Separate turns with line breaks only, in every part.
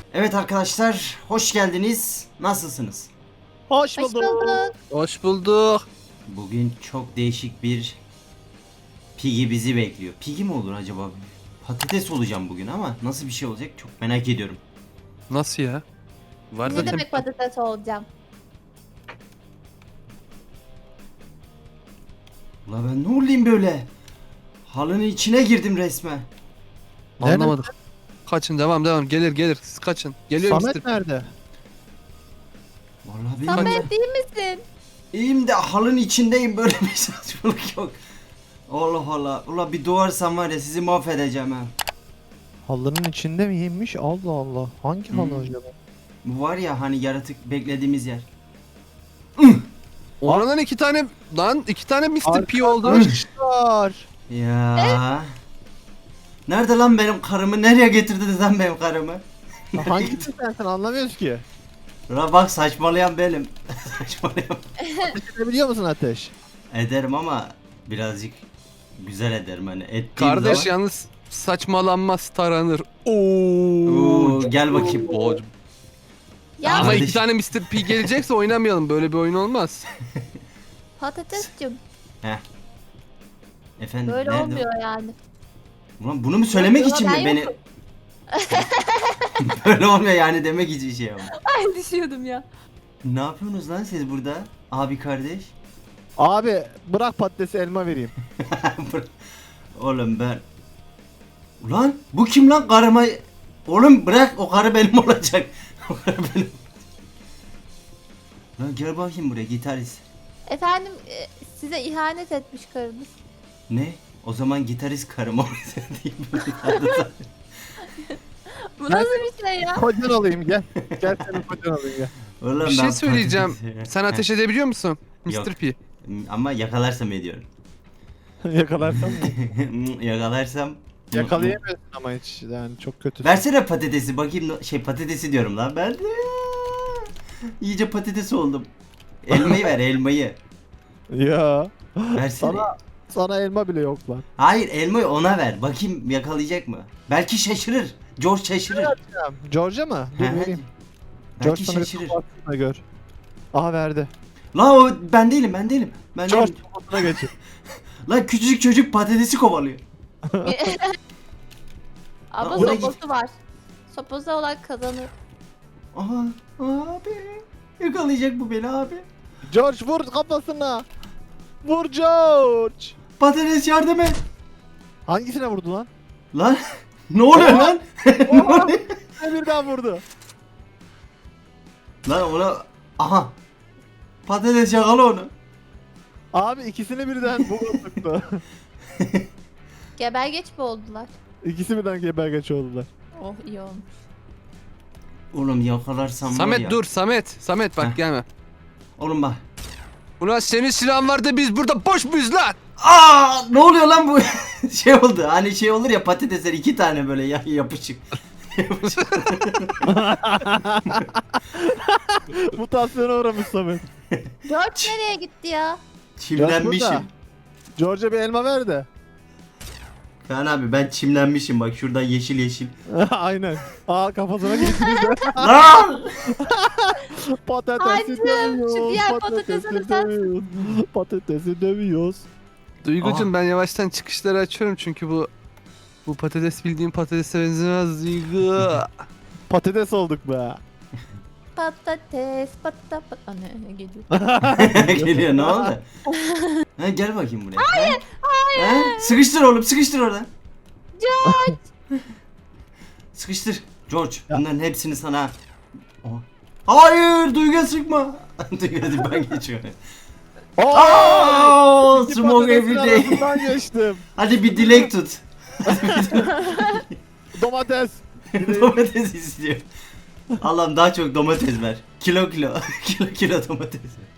Evet arkadaşlar, hoş geldiniz. Nasılsınız?
Hoş
Hoş
bulduk.
bulduk.
Hoş bulduk.
Bugün çok değişik bir Piggy bizi bekliyor. Piggy mi olur acaba? Patates olacağım bugün ama nasıl bir şey olacak çok merak ediyorum.
Nasıl ya? Var
Ne
zaten.
demek patates olacağım?
Ula ben ne olayım böyle? Halının içine girdim resmen.
Anlamadık. Kaçın, devam. Gelir. Siz kaçın. Geliyor
Samet
Mr.
nerede?
Vallahi bilmiyorum.
Samet değil misin?
İyiyim de halının içindeyim, böyle bir saçmalık yok. Allah Allah. Ula bir doğarsam var ya sizi mahvedeceğim ha.
Halının içinde miymiş? Allah Allah. Hangi halı acaba?
Bu var ya hani yaratık beklediğimiz yer.
Oradan iki tane Mr. P oldu.
Arkadaşlar.
Ya. Nerede lan benim karımı? Nereye getirdiniz lan benim karımı?
Hangisi sensin anlamıyoruz ki.
Ula bak saçmalayan benim. Saçmalayan.
Biliyor musun Ateş?
Ederim ama birazcık güzel ederim hani ettiğim
Kardeş
zaman.
yalnız saçmalanmaz taranır.
Oo, gel bakayım.
Ya
Ama
Kardeş.
iki tane Mr. P gelecekse oynamayalım. Böyle bir oyun olmaz.
patatescim.
Efendim
Böyle
nerede?
olmuyor yani.
Ulan bunu mu söylemek
Yok,
için mi
ben
beni?
yokum.
Böyle olmuyor yani demek için şey ama.
Ay düşüyordum ya.
Ne yapıyorsunuz lan siz burada? Abi kardeş.
Abi bırak patatesi elma vereyim.
Oğlum ben. Ulan bu kim lan karıma? Oğlum bırak, o karı benim olacak. O karı benim. Lan gel bakayım buraya gitarist.
Efendim size ihanet etmiş karınız.
Ne? O zaman gitarist karım olacak diyeyim.
Bu nasıl bir şey ya?
Kocan olayım gel. Gel senin kocan olayım gel.
Oğlum
Bir şey
ben
söyleyeceğim.
patates-
Sen ateş edebiliyor musun?
Yok.
Mr. P.
Ama yakalarsam ediyorum.
Yakalarsam mı?
Yakalarsam.
Yakalayamıyorsun ama hiç yani çok kötü.
Versene patatesi bakayım, patatesi diyorum lan ben. İyice patates oldum. Elmayı ver, elmayı.
Ya.
Versene.
Sana elma bile yok lan.
Hayır, elmayı ona ver. Bakayım yakalayacak mı? Belki şaşırır. George şaşırır.
George'a mı? Dur
He,
vereyim.
Belki
George sana bir
şaşırır.
kapatsın da gör. Aha verdi.
Lan o ben değilim. Ben
George
değilim.
kafasına geçin.
Lan küçücük çocuk patatesi kovalıyor.
Ama
oraya git.
sopası var. Sopası olan kazanır.
Aha abi. Yakalayacak bu beni abi.
George vur kafasına. Vur George.
Patates yardım et.
Hangisine vurdu lan?
Lan ne oluyor lan? Ne oluyor?
Birden vurdu.
Lan ona aha. Patates yakala onu.
Abi ikisini birden bu tuttu.
Gebergeç mi oldular?
İkisi birden gebergeç oldular.
Oh iyi olmuş.
Oğlum yakalarsam var ya.
Samet dur Samet. Samet bak
Heh.
gelme.
Oğlum bak.
Ulan senin silahın var da biz burada boş muyuz lan?
Aa ne oluyor lan bu? Şey oldu. Hani şey olur ya, patatesler iki tane böyle yapışık.
Mutasyona uğramış Samet.
George nereye gitti ya?
Çimlenmişim.
George'a bir elma ver de.
Kaan abi ben çimlenmişim bak şuradan yeşil yeşil.
Aynen. Aa kafasına geçirdi.
Lan!
Patatesi
Hancım,
dövüyoruz.
şu diğer patatesini sen-
dövüyoruz. Patatesi dövüyoruz.
Duygucum ben yavaştan çıkışları açıyorum çünkü bu patates bildiğim patatese benzemez Duygu.
Patates olduk be.
Patates ne geliyor?
Geliyor ne oldu? Ha, gel bakayım buraya. Hayır, hayır. Sıkıştır oğlum, sıkıştır orada.
George!
Sıkıştır. George, bunların hepsini sana. Oha. Hayır, Duygu'ya sıkma. Duygu'ya ben geçiyorum. Aa,
İki
smoke
patatesin
every day.
arasından geçtim.
Hadi bir dilek tut.
Domates.
Domates istiyor. Allah'ım daha çok domates ver. Kilo. kilo domates ver.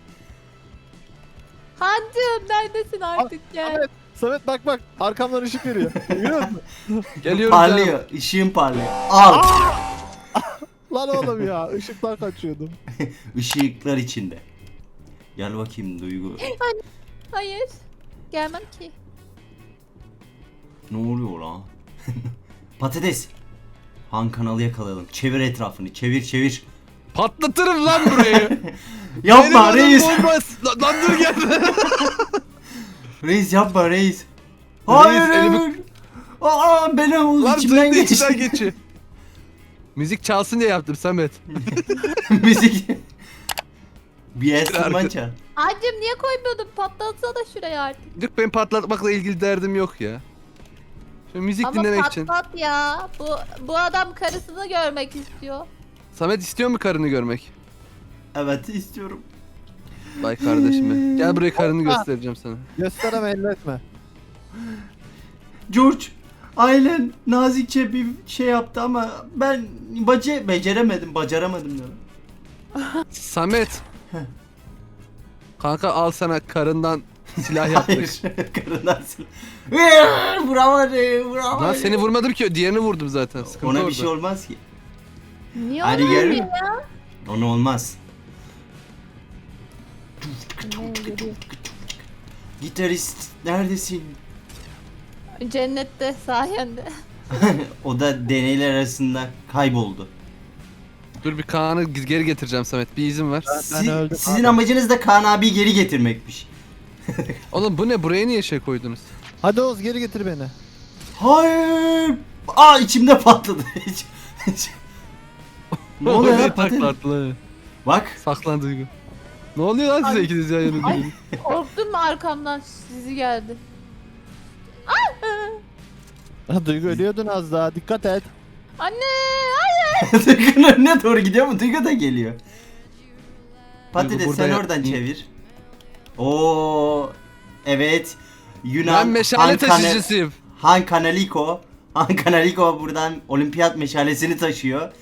Hancım neredesin artık gel.
Samet, Samet bak arkamdan ışık veriyor. Görüyor musun?
Geliyorum canım.
Parlıyor. Işığın parlıyor. Al.
Lan oğlum ya ışıktan kaçıyordum.
Işıklar içinde. Gel bakayım Duygu.
Hayır. Gelmem ki.
Ne oluyor lan? Patates. Han kanalı yakalayalım. Çevir etrafını. Çevir çevir.
Patlatırım lan burayı.
Yapma
Benim
reis.
adım olmaz. Lan dur gel.
Reis yapma reis. Hayır.
elimi-
Aa benim
Lan
içimden
senin de
geçti.
içinden geçiyor. Müzik çalsın diye yaptım Samet.
Müzik. Bir enstrüman
arka-
çal.
Anneciğim niye koymuyordun? Patlatsana şuraya artık.
Yok benim patlatmakla ilgili derdim yok ya. Şu müzik
Ama
dinlemek için.
patlat ya. Bu adam karısını görmek istiyor.
Samet istiyor mu karını görmek?
Evet istiyorum.
Vay kardeşim be. Gel buraya karını göstereceğim sana.
Göstereme elletme.
George, ailen nazikçe bir şey yaptı ama ben beceramadım diyorum.
Samet. Kanka al sana karından silah yaptık.
Hayır, karından vuramadım.
Lan seni vurmadım ki diğerini vurdum zaten. Sıkıntı
Ona
orada.
bir şey olmaz ki.
Niye
Hadi
onu
gel.
yapıyor ya?
Ona olmaz. Gitarist neredesin?
Cennette sayende.
O da deneyler arasında kayboldu.
Dur bir Kaan'ı geri getireceğim Samet. Bir izin ver.
öldüm
Sizin
abi.
amacınız da Kaan abi geri getirmekmiş.
Oğlum bu ne? Buraya niye şey koydunuz?
Hadi Oğuz geri getir beni.
Hayır. Aa içimde patladı. Ne oluyor
Oraya
ya?
takla attılar.
Bak.
Saklan Duygu. Ne oluyor lan size
Ay.
ikiniz yan yana
Ay.
durun?
Korktum mu arkamdan sizi geldi.
Ha, Duygu ölüyordun az daha dikkat et.
Anne hayır.
Duygu'nun önüne doğru gidiyor mu? Duygu da geliyor. Patates
burada
sen
ya-
oradan çevir. Oo evet. Yunan
Ben meşale taşıcısıyım.
Han Kanaliko. Han Kanaliko buradan olimpiyat meşalesini taşıyor.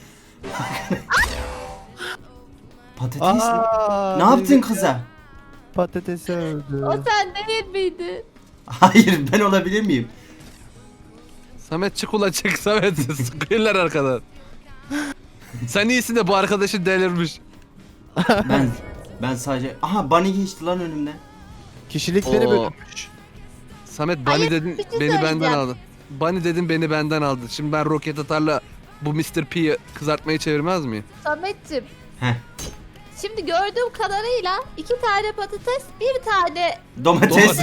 Patates mi? Ne yaptın
Duygu
kıza?
Patatesi öldü.
O sen değil miydin?
Hayır ben olabilir miyim?
Samet çık ula çık Samet. Sıkıyorlar arkadan. Sen iyisin de bu arkadaşın delirmiş.
Ben sadece aha Bunny geçti lan önümden.
Kişilikleri
Oo.
bölünmüş.
Samet Bunny
Hayır,
dedin
bir şey
beni benden
söyleyeceğim.
aldın. Bunny dedin beni benden aldın. Şimdi ben roket atarla bu Mr. P'yi kızartmayı çevirmez miyim?
Samet'cim.
Heh.
Şimdi gördüğüm kadarıyla 2 tane patates, bir tane
Domates.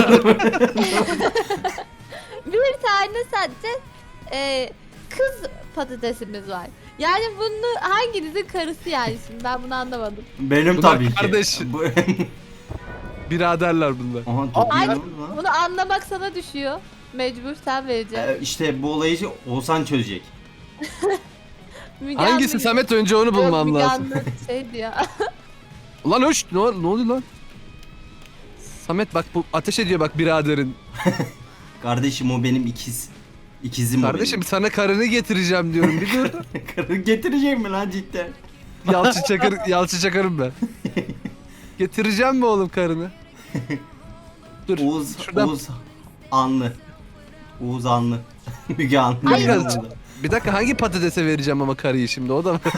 bir tane sadece kız patatesimiz var. Yani bunu hanginizin karısı yani şimdi ben bunu anlamadım.
Benim
Bunlar
tabii ki.
kardeş.
Bu...
Biraderler bunlar.
Aha çok iyi
Ay,
lan.
bunu anlamak sana düşüyor. Mecbur sen vereceksin.
İşte bu olayı Oğuzhan çözecek.
Müge
Hangisi
Anlı-
Samet önce onu
Yok,
bulmam
Müge
lazım.
Anlı şeydi ya.
Lan hoş ne oluyor lan? Samet bak bu ateş ediyor bak biraderin.
Kardeşim o benim ikizim
Kardeşim sana karını getireceğim diyorum bir dur.
o benim. Karı getirecek mi lan cidden?
Yalçı Çakar'ım ben. Getireceğim mi oğlum karını? Dur.
Oğuz,
şuradan-
Oğuz Anlı. Oğuz Anlı. Müge Anlı.
Hayır.
Biraz- Bir dakika hangi patatese vereceğim ama karıyı şimdi o da mı?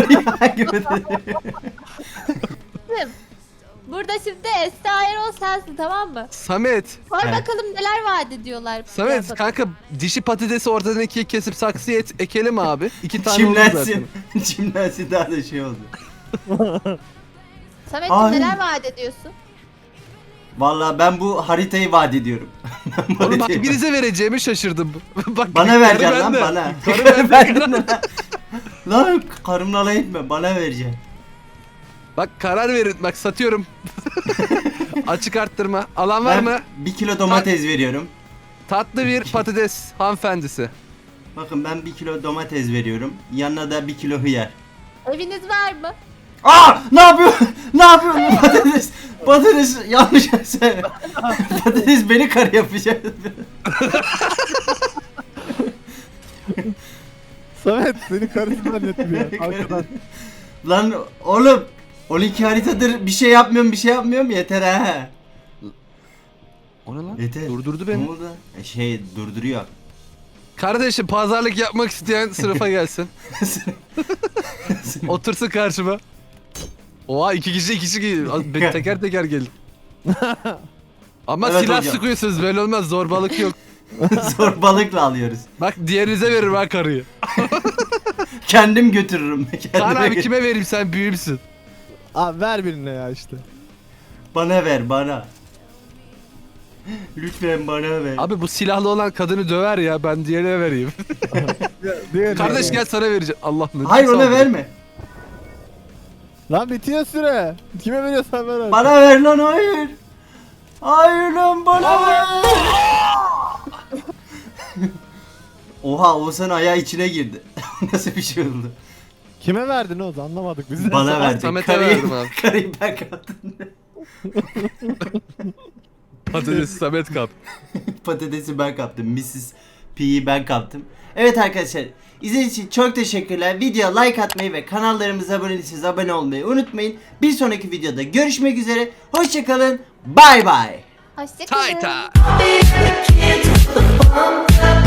Burada şimdi Esra Erol sensin tamam mı?
Samet.
Sor
Evet.
bakalım neler vaat ediyorlar.
Samet
Ya,
kanka dişi patatesi ortadan ikiye kesip saksıya ekelim abi. 2 tane olur zaten.
Çimlensin. Çimlensin daha da şey oldu.
Samet'cim
Ay.
neler vaat ediyorsun?
Vallahi ben bu haritayı vaat ediyorum. Ben bu
Oğlum bak
haritayı-
birinize vereceğimi şaşırdım. Bak,
Bana
karı
vereceksin lan
bende.
bana.
Karı bende.
Lan karımla alay etme bana vereceksin.
Bak karar verin bak satıyorum. Açık arttırma. Alan var
Ben
mı?
1 kilo domates veriyorum.
Tatlı bir patates hanımefendisi.
Bakın ben 1 kilo domates veriyorum. Yanına da 1 kilo hıyar.
Eviniz var mı?
Aa! Ne yapıyor? Ne yapıyor? Patates. Patates yanlış söyle. Patates beni karı yapacak.
Samet seni karısı zannettim ya arkadan.
Lan oğlum 12 haritadır bir şey yapmıyorum yeter ha.
O ne lan?
Yeter.
Durdurdu
Ne
beni.
oldu? Durduruyor.
Kardeşim pazarlık yapmak isteyen sınıfa gelsin. Otursun karşıma. Oha iki kişi teker teker gelin. Ama
Evet
silah
hocam.
sıkıyorsunuz böyle olmaz zorbalık yok.
Zorbalıkla alıyoruz.
Bak diğerinize veririm ha karıyı.
Kendim götürürüm.
Kaan
Kendime
abi kime vereyim, sen büyümsün.
Abi ver birine ya işte.
Bana ver bana. Lütfen bana ver.
Abi bu silahlı olan kadını döver ya, ben diğerine vereyim.
Diğerine.
Kardeş gel sana vereceğim. Allah ne
Hayır ona verme.
Lan bitiyor süre. Kime veriyorsan ver artık.
Bana ver lan hayır. Hayır lan bana ver. Oha Oğuzhan ayağı içine girdi. Nasıl bir şey oldu?
Kime verdin Oğuz, anlamadık biz de.
Bana verdin.
Samet'e verdim abi.
Karıyı ben kaptım.
Patates Samet kap.
Patatesi ben kaptım. Mrs. P'yi ben kaptım. Evet arkadaşlar. İzlediğiniz için çok teşekkürler. Videoya like atmayı ve kanallarımıza abone değilseniz abone olmayı unutmayın. Bir sonraki videoda görüşmek üzere. Hoşçakalın. Bay bay.
Hoşçakalın.
Tayta.
Kids with the bump up.